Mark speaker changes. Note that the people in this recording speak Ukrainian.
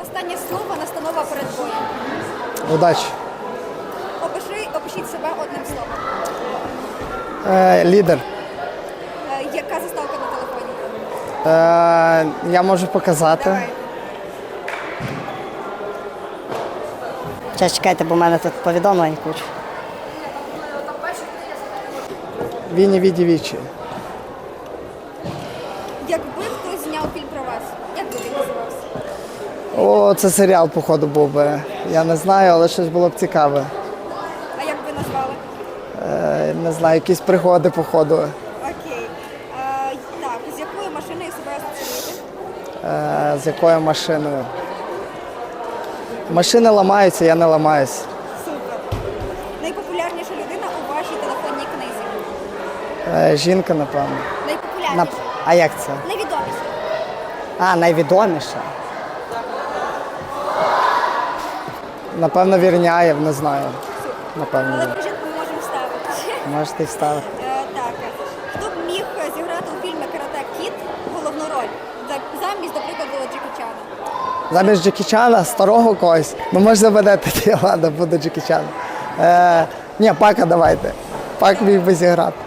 Speaker 1: Останнє слово, настанова перед боєм.
Speaker 2: Удачі.
Speaker 1: Опишіть себе одним словом.
Speaker 2: Лідер.
Speaker 1: Яка заставка на телефоні?
Speaker 2: Я можу показати.
Speaker 1: Давай.
Speaker 3: Зараз чекайте, бо в мене тут повідомлень куча.
Speaker 2: Віні віді вічі.
Speaker 1: Якби хтось зняв фільм про вас, як би він називався?
Speaker 2: О, це серіал, походу, був би. Я не знаю, але щось було б цікаве.
Speaker 1: А як би назвали?
Speaker 2: Не знаю, якісь пригоди, походу.
Speaker 1: Окей. Так, з якою машиною себе асоціюєте?
Speaker 2: З якою машиною? Машини ламаються, я не ламаюсь.
Speaker 1: Супер. Найпопулярніша людина у вашій телефонній книзі?
Speaker 2: Жінка, напевно.
Speaker 1: Найпопулярніша?
Speaker 2: А як це?
Speaker 1: Найвідоміша?
Speaker 3: Найвідоміша.
Speaker 2: Напевно, Вірняєв, не знаю. Напевно.
Speaker 1: Але
Speaker 2: ні.
Speaker 1: жінку ми можемо вставити.
Speaker 2: Можете й вставити.
Speaker 1: Так. Хто б міг зіграти у фільмі «Карате Кід» головну роль? Замість, до прикладу, Джекі Чана.
Speaker 2: Замість Джекі Чана, старого когось. Ну, може заведете, ладно, буду Джекі Чан. Ні, Пака давайте. Пак міг би зіграти.